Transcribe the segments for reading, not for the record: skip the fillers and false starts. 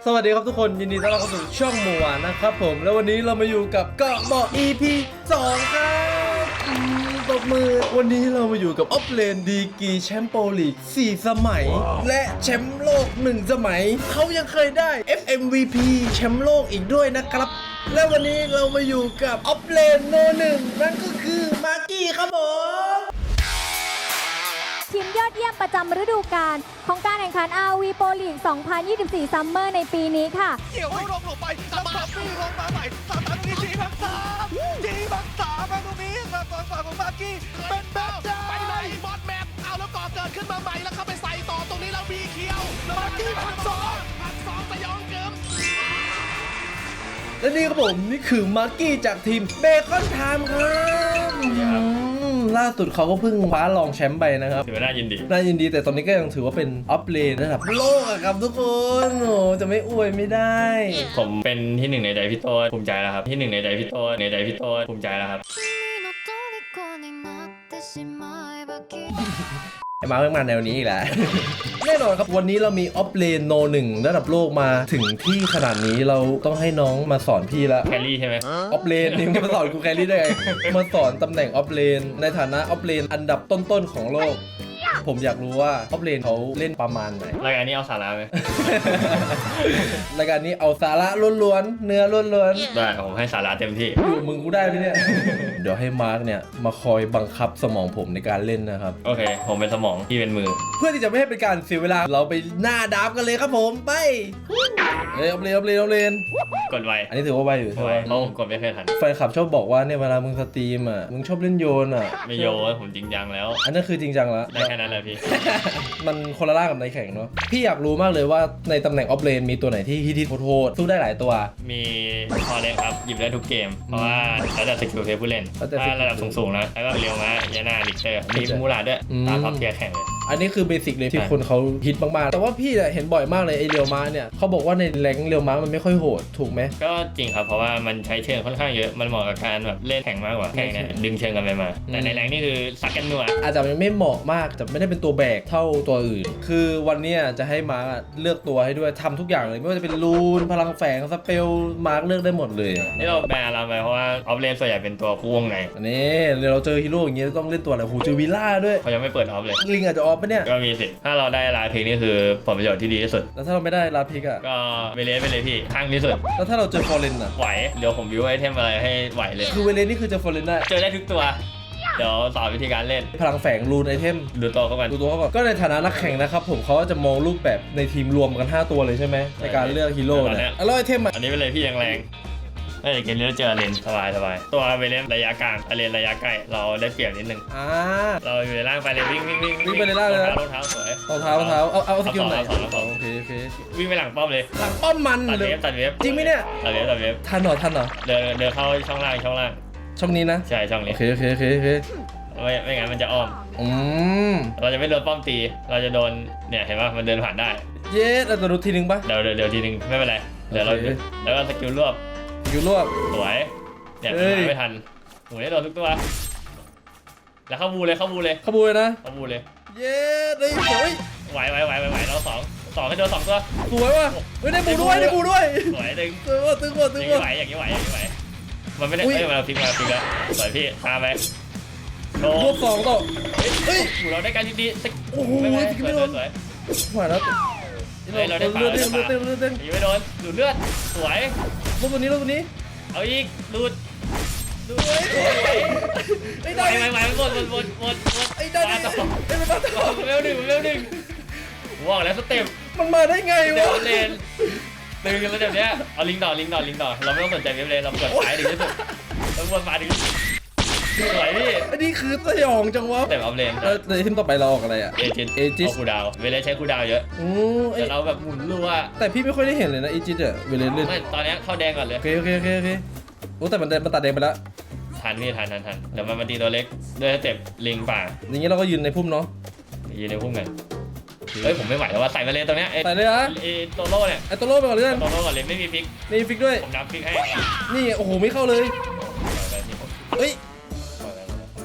สวัสดีครับทุกคนยินดีต้อนรับเข้าสู่ช่องหมูหวานนะครับผมแล้ววันนี้เรามาอยู่กับเกาะเบาะ EP 2ครับตบมือวันนี้เรามาอยู่กับออฟเลนดีกีแชมป์โปรลีก4 สมัย และแชมป์โลก1 สมัยเขายังเคยได้ FMVP แชมป์โลกอีกด้วยนะครับและวันนี้เรามาอยู่กับออฟเลนโน1นั่นก็คือมาร์กี้ครับผมทีมยอดเยี่ยมประจำฤดูกาลของการแข่งขัน RV Pro League 2024 Summer ในปีนี้ค่ะเกี่ยวลงไปแล้วมาฟี่ลงมาใหม่สามตรงนี้มาตรงนี้ฝั่งของมาร์กี้เป็นแบบไปเลยบอลแมปเอาแล้วก่อเกิดขึ้นมาใหม่แล้วเข้าไปใส่ต่อตรงนี้แล้วมีเคียวมาร์กี้พันสองสยองเกิมและนี่ครับผมนี่คือมาร์กี้จากทีมเบคอนไทม์ครับล่าสุดเขาก็เพิ่งคว้ารองแชมป์ไปนะครับถือว่าน่ายินดีแต่ตอนนี้ก็ยังถือว่าเป็นออฟเลนระดับโลกอะครับทุกคนโอ้จะไม่อวยไม่ได้ผมเป็นที่หนึ่งในใจพี่โต้ภูมิใจแล้วครับที่หนึ่งในใจพี่โต้ภูมิใจแล้วครับไอ้มาเพิ่งมาแนวนี้อีกแหละ แน่นอนครับวันนี้เรามีออฟเลนโน1ระดับโลกมาถึงที่ขนาดนี้เราต้องให้น้องมาสอนพี่ละแครี่ใช่ไหมออฟเลนนี่มาสอนกูแครี่ได้ไงมาสอนตำแหน่งออฟเลนในฐานะออฟเลนอันดับต้นๆของโลกผมอยากรู้ว่าออฟเลนเขาเล่นประมาณไหนรายการนี้เอาสาระไหมรายการนี้เอาสาระล้วนๆเนื้อล้วนๆได้ผมให้สาระเต็มที่อยู่มึงกูได้ไหมเนี่ย เดี๋ยวให้มาร์กเนี่ยมาคอยบังคับสมองผมในการเล่นนะครับโอเคผมเป็นสมองพี่เป็นมือเพื่อที่จะไม่ให้เป็นการเสียเวลาเราไปหน้าดับกันเลยครับผมไปออฟเลนกดไวอันนี้ถือว่าไวอยู่ใช่ไหมเขากดไม่เคยทันแฟนคลับชอบบอกว่าเนี่ยเวลามึงสตรีมอ่ะมึงชอบเล่นโยนอ่ะไม่โยนผมจริงจังแล้วอันนั้นคือจริงจังแล้วได้แค่นั้นแหละพี่มันคนละล่ากับในแข่งเนาะพี่อยากรู้มากเลยว่าในตำแหน่งออฟเลนมีตัวไหนที่ฮิตโทษสู้ได้หลายตัวมีพอเล่นครับหยิบได้ทุกเกมเพราะว่าแล้วแต่สกิลเพย์ผู้เล่นถ้าระดับสูงๆนะแล้วก็เรียวมายานาลิกเตอร์มีมูลาด้วยตามท็อปเทียร์แข่งเลยอันนี้คือเบสิกเลยที่คนเขาฮิตมากๆแต่ว่าพี่เห็นบ่อยมากเลยไอเรียวมาเนี่ยเขาบอกว่าในแรงเรียวมามันไม่ค่อยโหดถูกไหมก็จริงครับเพราะว่ามันใช้เชิงค่อนข้างเยอะมันเหมาะกับการแบบเล่นแข่งมากกว่าแข่งเนี่ยดึงเชิงกันไปมาแต่ในแรงนี่คือซักกันนัวอาจจะไม่เหมาะมากแต่ไม่ได้เป็นตัวแบกเท่าตัวอื่นคือวันนี้จะให้มาร์กเลือกตัวให้ด้วยทำทุกอย่างเลยไม่ว่าจะเป็นรูนพลังแฝงสเปลมาร์กเลือกได้หมดเลยนี่เราแบนเราไปเพราะว่าออฟเลนส่วนใหญ่เป็นตัวคู่วงในอันนี้เราเจอฮีโร่อย่างเงี้ยต้องเล่นตัวอะไรโหเจอวิลล่าด้วยเขายังไม่เปิดออฟเลยลิงอาจจะออฟปะเนี่ยก็มีสิถ้าเราได้ลาพิกนี่คือผลประโยชน์ที่ดีที่สุดแล้วถ้าเราไม่ได้ลาพิกอ่ะก็เวเลสไปเลยพี่ข้างที่สุดแล้วถ้าเราเจอฟอร์เรนอ่ะไหวเดี๋ยวผมวิวไอเทมอะไรให้ไหวเลยคือเวเลสนี่คือเจอฟอร์เรนได้เจอได้ทุกตัวเดี๋ยวสอนวิธีการเล่นพลังแฝงรูนไอเทมดูตัวเขาก่อนก็ในฐานะนักแข่งนะครับผมเขาจะมองรูปแบบในทีมรวมกัน5ตัวเลยใช่ไหมในการเลือกฮีโร่เนี่ยแล้วไอเทมอันนี้เป็นเลยพี่แรงเกมนี้เราเจอเลนสบายตัวเวเลนระยะกลางเลนระยะใกล้เราได้เปรียบนิดนึงเราอยู่ในล่างไปเลยวิ่งไปในล่างเลยรองเท้าสวยรองเท้าเอาสกิลไหนโอเควิ่งไปหลังป้อมเลยหลังป้อมมันตัดเวฟจริงไหมเนี่ยตัดเวฟทันเหรอเดินเข้าช่องล่างช่องนี้นะใช่ช่องนี้โอเคไม่งั้นมันจะอ้อมเราจะไม่โดนป้อมตีเราจะโดนเนี่ยเห็นป่ะมันเดินผ่านได้เย้เราจะดูทีนึงป่ะเดี๋ยวทีนึงไม่เป็นไรเดี๋ยวเราแล้วก็สกิลรวบสวยเนี่ยไม่ทันหนูได้โดนทุกตัวแล้วเข้าบูเลยนะเข้าบูเลยเย้ได้สวยไหวเราสองให้โดน2ตัวสวยว่ะได้บูด้วยสวยตึงไหวอย่างนี้ไหวมันไม่ได้มาพลิกแล้วสวยพี่ตามไปรวบ2ต่อเฮ้ยเราได้การดีโอ้โหสวยมาแล้วเราได้ป่ายังไม่โดนดูดเลือดสวยรวบตัวนี้เอาอีกดูดไอ้ได้ไม่หมดไอ้ได้ไอ้มันมาต่อเร็วหนึ่งว่างแล้วสเต็ปมันมาได้ไงวะเลนตึงกันแล้วเนี้ยเอาลิงต่อเราไม่ต้องสนใจเว็บเลยเรากดซ้ายถึงที่สุดเราวนมาถึงสวยพี่อันนี้คือสยองจังวะแต่ออฟเลนในทีมต่อไปเราออกอะไรอ่ะเอจิสคูดาวเวลาใช้คูดาวเยอะแต่เราแบบหมุนรัวแต่พี่ไม่ค่อยได้เห็นเลยนะเอจิสอ่ะเวลาเล่นไม่ตอนนี้เข้าแดงก่อนเลยโอเคโอ้แต่มันตัดแดงไปแล้วทันเดี๋ยวมันมาตีตัวเล็กด้วยสเต็ปลิงป่าอย่างงี้เราก็ยืนในพุ่มเนาะยืนในพุ่มกันเฮ้ยผมไม่ไหวแล้วว่าใส่มาเลยตรงเนี้ยใส่เลยฮะโตโร่เนี่ยโตโร่ไปก่อนเลยโตโร่ก่อนเลยไม่มีฟิกด้วยผมนับฟิกให้นี่โอ้โหไม่เข้าเลยเฮ้ย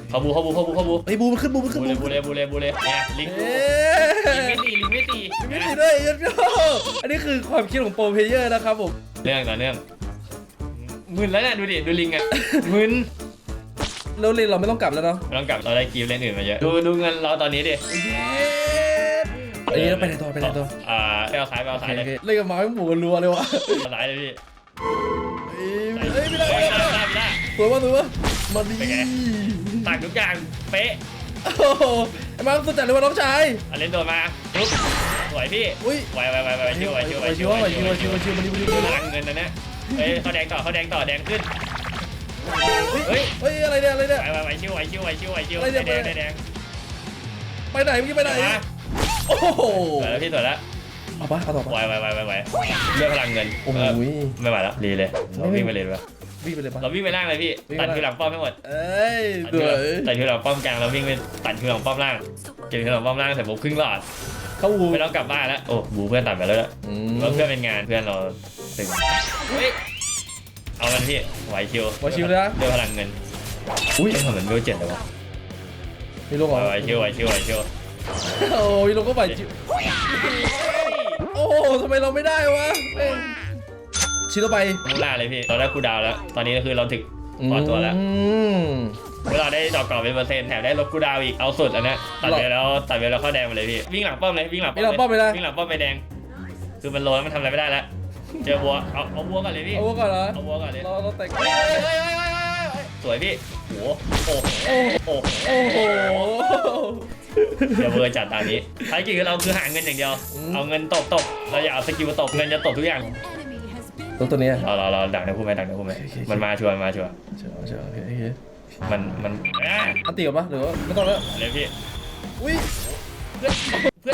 เข้าบูไอ้บูมันขึ้นบูมันขึ้นบูเลยเนี่ยลิงเอ๊ลิงไม่ตีไม่ดีด้วยอันนี้คือความคิดของโปรเพลเยอร์นะครับผมเรื่องต่อเนื่องมึนแล้วเนี่ยดูดิดูลิงอ่ะมึนแล้วเราไม่ต้องกลับแล้วเนาะไม่ต้องกลับเราได้กีฟเล่นอื่นมาเยอะดูเงินเราตอนนี้ดิไอ้นี่เราไปไหนต่อไปไหนต่อไปเอาซ้ายเลยเล่นกับหมาไม่หมูกันรัวเลยวะซ้ายเลยพี่เฮ้ยไม่ได้ได้สวยว่ะมาดีต่างทุกอย่างเป๊ะโอ้โหไอ้มาสุดจัดเลยว่ะน้องชายเล่นโดนมาปุ๊บสวยพี่อุ้ยไวชิวมาดีมาดีพลังเงินนะเนี่ยเฮ้ยเขาแดงต่อแดงขึ้นเฮ้ยอะไรเนี่ยไวชิวแดงไปไหนเมื่อกี้ไปไหนโอ้โหสวยแล้วพี่สวยแล้วเอาปะเอาต่อปะไวเลือกพลังเงินโอ้โหไม่ไหวแล้วดีเลยเราวิ่งไปเลยดีกว่าวิ่งไปเลยปะเราวิ่งไปล่างเลยพี่ตัดคิวหลังป้อมให้หมดเอ้ยสวยตัดคิวหลังป้อมกลางเราวิ่งไปตัดคิวหลังป้อมล่างเก็บคิวหลังป้อมล่างเสร็จปุ๊บครึ่งหลอดเข้าวูไม่ต้องกลับบ้านแล้วโอ้บูเพื่อนตัดไปแล้วเพื่อนเป็นงานเพื่อนเราตึงเอามันพี่ไหวชิวเลือกพลังเงินอุ้ยเหมือนเบลเจ็ดเลยวะมีลงเหรอไหวชิวโอ้ยลงก็ไหวชิวโอ้ทำไมเราไม่ได้วะชิ้นต่อไปมูล่าเลยพี่เราได้คูดาวแล้วตอนนี้ก็คือเราถึงพอตัวแล้วเวลาได้ดอกกรอบเป็นเปอร์เซ็นต์แถมได้ลดคูดาวอีกเอาสุดอันนี้ตัดไปแล้วเข้าแดงไปเลยพี่วิ่งหลังป้อมเลยวิ่งหลังป้อมไปแดงคือมันโลแล้วมันทำอะไรไม่ได้แล้วเจอวัวเอาวัวก่อนเลยพี่เอาวัวก่อนเหรอเอาวัวก่อนเลยเราแต่งสวยพี่โอ้โหโอ้โหเดี๋ยวเวอร์จัดตามนี้ภารกิจของเราคือหาเงินอย่างเดียวเอาเงินตบเราอย่าเอาสกิลตบเงินจะตบทุกอย่างตัวนี้เราดักในคู่ไหมมันมาชัวร์โอเคมันอันตีกับปะหรือว่าไม่ต้องแล้วเลยพี่อุ้ยเพื่อน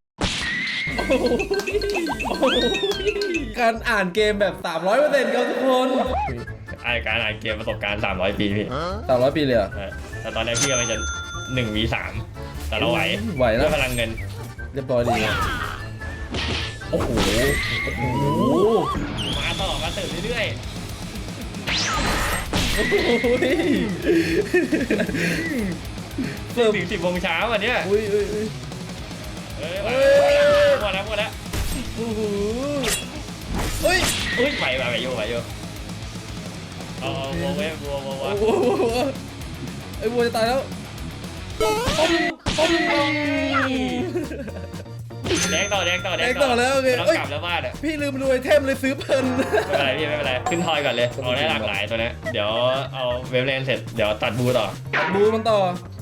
การอ่านเกมแบบ 300%ครับทุกคนการอ่านเกมประสบการณ์300 ปีพี่ 300 ปีเลยอ่ะแต่ตอนแรกพี่กำลังจะ1v3แต่เราไหวแล้ด้ววยพลังเงินเรียบร้อยดีโอ้โหมาเติมเรื่อยๆถึง10 โมงเช้าวันเนี้ยอุ้ยหมดแล้วโอ้โหเฮ้ยไหวอยู่เอาวัวไอ้วัวจะตายแล้วแดงต่อแล้วโอเคต้องกลับแล้วบ้านอ่ะพี่ลืมดูไอเทมเลยซื้อเพลินไม่เป็นไรขึ้นทอยก่อนเลยเอาได้หลากหลายตัวนี้เดี๋ยวเอาเวฟเลนเสร็จเดี๋ยวตัดบูต่อบูมันต่อ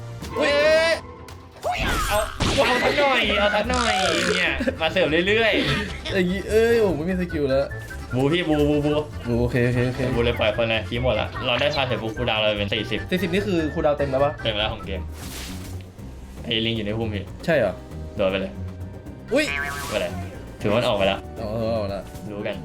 เอาทักหน่อยเนี่ยมาเสิร์ฟเรื่อยอย่างงี้โอ้ไม่มีสกิลแล้วๆบูพี่บูโอเคบูเลยปล่อยคนเลยคีหมดละเราได้พาเสร็จบูคูดาวเราเป็น40 นี่คือคูลดาวน์เต็มแล้วปะเต็มแล้วของเกมไอ้ลิงอยู่ในพุ่มพี่ใช่เหรอโดนไปเลยอุ้ยไปเลยถือว่ามันออกไปแล้วเอาละรู้กัน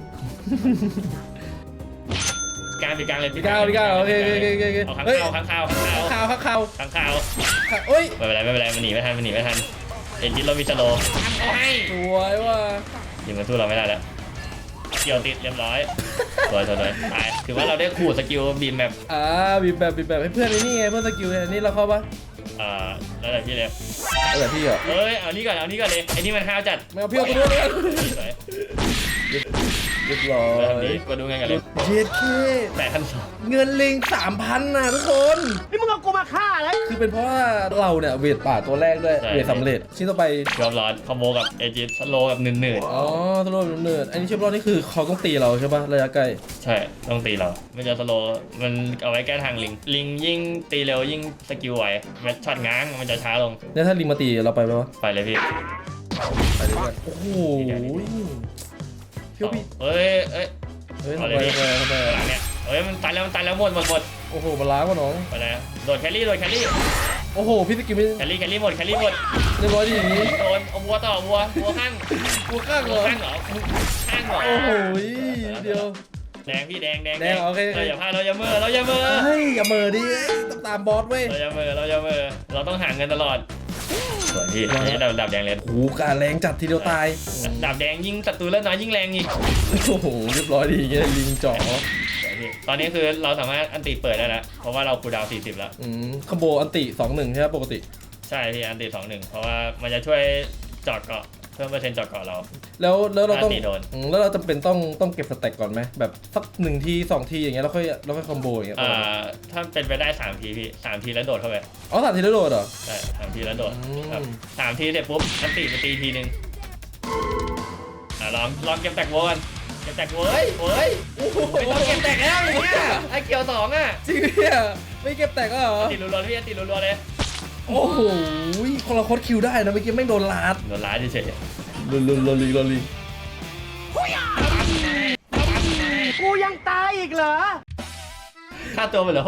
กลางเลยพี่ก้าวโอเคเอาข้างเฮ้ยข้าวข่าวเฮ้ยไม่เป็นไรมันหนีไม่ทันเอ็นจิตเรามีสโลว์เอาให้สวยว่ะยิงมันสู้เราไม่ได้แล้วเกี่ยวติดเรียบร้อยสวยตายถือว่าเราได้ขู่สกิลบีมแบบบีบแบบให้เพื่อนนี่ไงเพื่อนสกิลนี่เราเข้าปะแล้วแต่พี่เลยแต่พี่อ่ะเอ้ยเอานี่ก่อนเลยไอ้นี่มันห้าวจัดไม่เอาพี่เอาตัวนู้นเลยสวยเรียบร้อแบบยนี้ก็ดูไงกันเลยเจ็ดเค 8,200 เงินลิง 3,000นะทุกคนนี่มึงเอากูมาฆ่าแล้วคือเป็นเพราะว่าเราเนี่ยเวทป่าตัวแรกด้วยเวทสำเร็จชิ้นต่อไปยอมร้อนคอมโบกับเอจิสโลกับหนืดอ๋อสโลว์เนิร์ดอันนี้เชื่อมรอดนี่คือเขาต้องตีเราใช่ปะระยะไกลใช่ต้องตีเราไม่จะสโลมันเอาไว้แก้ทางลิงยิ่งตีเร็วยิ่งสกิลไวแมทช็อตง้างมันจะช้าลงเนี่ยถ้าลิงมาตีเราไปไหมวะไปเลยพี่ไปเลยโอ้โหพี่เฮ้ยทำไมหลังเนี่ยมันตันแล้วหมดโอ้โหมาล้างวะน้องไปแล้วโดดแครี่โอ้โหพี่สกิลไม่แครี่หมดเรียบร้อยดีอย่างนี้โดนเอาวัวต่อวัวข้างกูข้างเหรอข้างเหรอโอ้โหเดียวแดงพี่แดงโอเคเราอย่าพลาดเราอย่าเมื่อเฮ้ยอย่าเมอดิต้องตามบอสเว้ยเราอย่าเมื่อเราต้องหาเงินตลอดสวยพี่นี่ดาบแดงเลยโอ้โหการแรงจัดทีเดียวตายดาบแดงยิ่งศัตรูเลือดน้อยยิ่งแรงอีกโอ้โหเรียบร้อยดีอย่างเงี้ยลิงจ่อพพี่ตอนนี้คือเราสามารถอันติเปิดได้แล้วเพราะว่าเราคูลดาวน์40แล้วคอมโบอันติ2-1ใช่ไหมปกติใช่พี่อันติ2-1เพราะว่ามันจะช่วยเจาะเกาะเพิ่มเปอร์เซ็นต์เจาะเกาะเราแล้วเราต้องโดนแล้วเราจำเป็นต้องเก็บสเต็กก่อนไหมแบบสัก1 ที2 ทีอย่างเงี้ยแล้วค่อยคอมโบอย่างเงี้ยถ้าเป็นไปได้3 ทีพี่3 ทีแล้วโดดเข้าไปอ๋อ3 ทีแล้วโดดเหรอใช่3 ทีแล้วโดดครับ3 ทีเสร็จปุ๊บอันติไปตีทีนึงลองเก็บแตกโวกันเก็บแตกโวเฮ้ยไม่ต้องเก็บแตกแล้วอย่างเงี้ยไอ้เขียว2อ่ะจริงเนี่ยไม่เก็บแตกก็เหรอติดรัวๆพี่ติดรัวๆเลยโอ้โหคนละโคตรคิวได้นะเมื่อกี้ไม่โดนลาดเฉยๆลุลีกูยังตายอีกเหรอค่าตัวมันเหลือ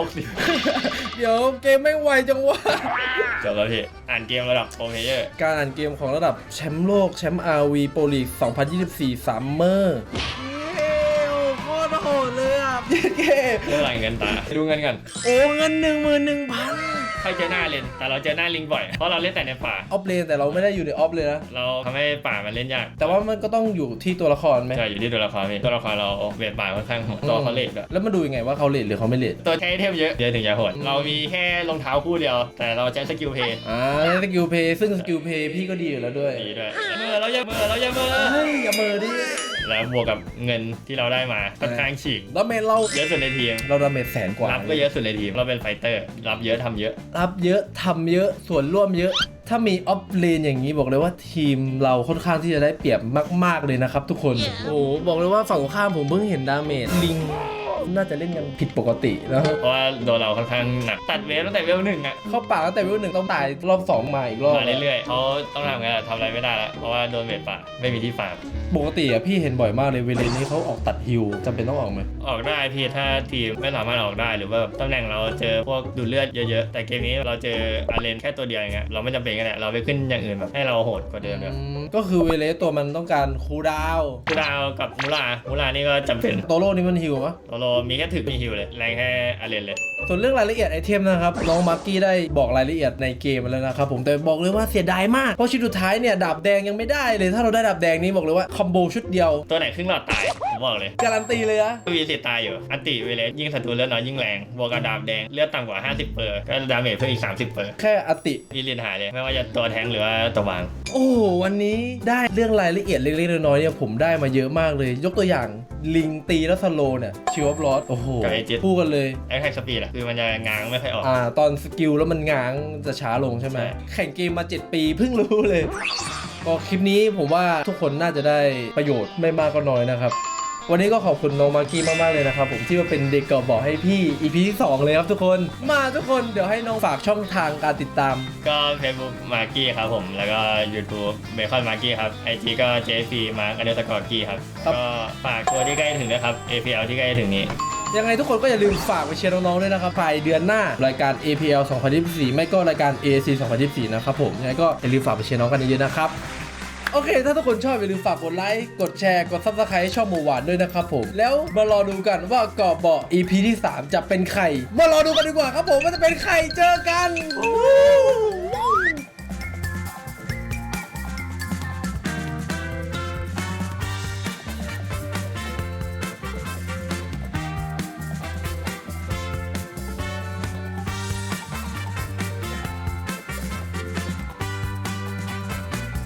60 เดี๋ยวเกมไม่ไวจังวะจบแล้วพี่อ่านเกมระดับโปรเพลเยอร์การอ่านเกมของระดับแชมป์โลกแชมป์ RV Pro League 2024 Summer โคตรโหดเลยอ่ะเท่าไหร่เงินตาดูเงินกันโอ้เงิน 11,000 ใครเจอหน้าเลนแต่เราเจอหน้าลิงบ่อยเพราะเราเล่นแต่ในป่าออฟเลนแต่เราไม่ได้อยู่ในออฟเลยนะเราทำให้ป่ามันเล่นยากแต่ว่ามันก็ต้องอยู่ที่ตัวละครไหมใช่อยู่ที่ตัวละครพี่ตัวละครเราเวทป่าค่อนข้างตัวเขาเลทอะแล้วมาดูยังไงว่าเขาเลทหรือเขาไม่เลทตัวใช้เทมเยอะถึงจะโหดเรามีแค่รองเท้าคู่เดียวแต่เราใช้สกิลเพย์สกิลเพย์ซึ่งสกิลเพย์พี่ก็ดีอยู่แล้วด้วยดีด้วยเราอย่าเมื่อเฮ้ยอย่าเมื่อดิแล้วบวกกับเงินที่เราได้มาค่อนข้างฉีกดาเมจเราเยอะสุดในทีมเราดาเมจแสนกว่ารับก็เยอะสุดในทีมเราเป็นไฟเตอร์รับเยอะทำเยอะทำเยอะส่วนร่วมเยอะถ้ามีออฟเลนอย่างนี้บอกเลยว่าทีมเราค่อนข้างที่จะได้เปรียบมากๆเลยนะครับทุกคนโอ้บอกเลยว่าฝั่งข้ามผมเพิ่งเห็นดาเมจลิงน่าจะเล่นกันผิดปกติแล้วเพราะว่าโดนเราค่อนข้างหนักตัดเวฟตั้งแต่เวล1อ่ะเข้าป่าตั้งแต่เวล1ต้องตายรอบ2มาอีกรอบมาเรื่อยๆเขาต้องทำไงทำอะไรไม่ได้แล้วเพราะว่าโดนเวทป่าไม่มีที่ฟาร์มปกติอ่ะพี่เห็นบ่อยมากเลยเวเลนนี้เขาออกตัดฮิวจำเป็นต้องออกไหมออกได้พี่ถ้าทีมไม่สามารถออกได้หรือว่าตำแหน่งเราเจอพวกดูดเลือดเยอะๆแต่เกมนี้เราเจออาเลนแค่ตัวเดียวอย่างเงี้ยเราไม่จำเป็นก็ได้เราไปขึ้นอย่างอื่นแบบให้เราโหดกว่าเดิมเลยก็คือเวเลสตัวมันต้องการคูดาวกับมูลานี่ก็จำเป็นโตโร่นี่มันฮิวปะโตโร่มีแค่ถึกมีฮิวเลยแรงแค่อาเลนเลยส่วนเรื่องรายละเอียดไอเทมนะครับน้องมาร์กี้ได้บอกรายละเอียดในเกมมาแล้วนะครับผมแต่บอกเลยว่าเสียดายมากเพราะชิ้นสุดท้ายเนี่ยดาบแดงยังไม่ได้เลยถ้าเราได้ดาบแดงนี้บอกเลยว่าคอมโบชุดเดียวตัวไหนครึ่งหลอดตายผมบอกเลยการันตีเลยอะมีสิทธิ์ตายอยู่อันติเวเลสยิ่งศัตรูเลือดน้อยยิ่งแรงบวกกับดาบแดงเลือดต่ำกว่า50%ก็ดาเมจเพิ่มอีก30% แค่อัติมีลินหายเลยไม่ว่าจะตัวแทงหรือว่าตัววางโอ้วันนี้ได้เรื่องรายละเอียดเล็กๆน้อยๆเนี่ยผมได้มาเยอะมากเลยยกตัวอย่างลิงตีแล้วสโลเนี่ยชิวออฟลอสโอ้โหคู่กันเลยไอ้ไฮสปีดอะคือมันจะง้างไม่ค่อยออกตอนสกิลแล้วมันง้างจะช้าลงใช่ไหมแข่งเกมมา7 ปีเพิ่งรู้เลยก็คลิปนี้ผมว่าทุกคนน่าจะได้ประโยชน์ไม่มากก็น้อยนะครับวันนี้ก็ขอบคุณน้องมาร์กี้มากๆเลยนะครับผมที่มาเป็นเด็กเกาะบอกให้พี่ EP ที่ 2เลยครับทุกคนมาทุกคนเดี๋ยวให้น้องฝากช่องทางการติดตามก็ Facebook มาร์กี้ครับผมแล้วก็ YouTube เบคอนมาร์กี้ครับ IG ก็ JF มาร์กกี้ครับก็ฝากตัวที่ใกล้ถึงนะครับ APL ที่ใกล้ถึงนี้ยังไงทุกคนก็อย่าลืมฝากไปเชียร์น้องๆด้วยนะครับภายเดือนหน้ารายการ APL 2024ไม่ก็รายการ AAC 2024นะครับผมยังไงก็อย่าลืมฝากไปเชียร์น้องกันเยอะๆนะครับโอเคถ้าทุกคนชอบอย่าลืมฝากกดไลค์กดแชร์กด Subscribe ให้ช่องหมูหวานด้วยนะครับผมแล้วมารอดูกันว่าเกาะเบาะ EP ที่ 3จะเป็นใครมารอดูกันดีกว่าครับผมว่าจะเป็นใครเจอกัน